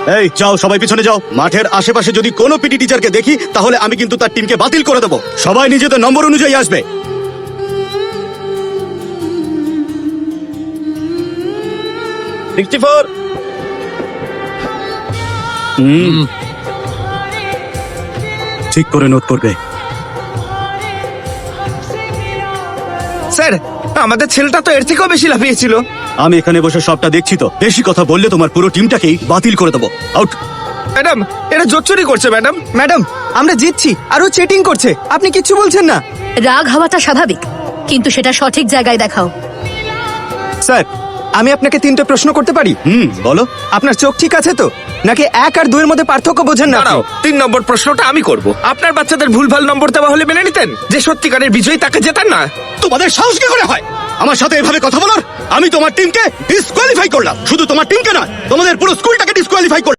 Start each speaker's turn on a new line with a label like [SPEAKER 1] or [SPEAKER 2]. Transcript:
[SPEAKER 1] এই যাও, সবাই পিছনে যাও। মাঠের আশেপাশে যদি কোনো পিটি টিচারকে দেখি তাহলে আমি কিন্তু তার টিমকে বাতিল করে দেবো। সবাই নিজেদের নম্বর অনুযায়ী আসবে। ঠিক করে নোট করবে।
[SPEAKER 2] স্যার, আমাদের ছেলেটা তো এর থেকেও বেশি লাফিয়েছিল।
[SPEAKER 1] আমি এখানে বসে সবটা দেখছি তো। বেশি কথা বললে তোমার পুরো টিমটাকেই বাতিল করে দেবো। আউট।
[SPEAKER 2] ম্যাডাম, এটা জোচ্চুরি করছে ম্যাডাম।
[SPEAKER 3] ম্যাডাম, আমরা জিতছি আর ও চিটিং করছে, আপনি কিচ্ছু বলছেন না।
[SPEAKER 4] রাগ হওয়াটা স্বাভাবিক, কিন্তু সেটা সঠিক জায়গায় দেখাও।
[SPEAKER 3] স্যার, আমি আপনাকে 3টে প্রশ্ন করতে পারি?
[SPEAKER 1] বলো।
[SPEAKER 3] আপনার চোখ ঠিক আছে তো, নাকি 1 আর 2 এর মধ্যে পার্থক্য বোঝেন না?
[SPEAKER 2] দাঁড়াও, 3 নম্বর প্রশ্নটা আমি করব। আপনার বাচ্চাদের ভুলভাল নম্বর দেওয়া হলে মেনে নিতেন? যে সত্যিকারের বিজয়ী তাকে জেতান না?
[SPEAKER 1] তোমাদের সাহস কি করে হয় আমার সাথে এভাবে কথা বলার? আমি তোমার টিমকে ডিসকোয়ালিফাই করলাম। শুধু তোমার টিমকে নয়, তোমাদের পুরো স্কুলটাকে ডিসকোয়ালিফাই করলাম।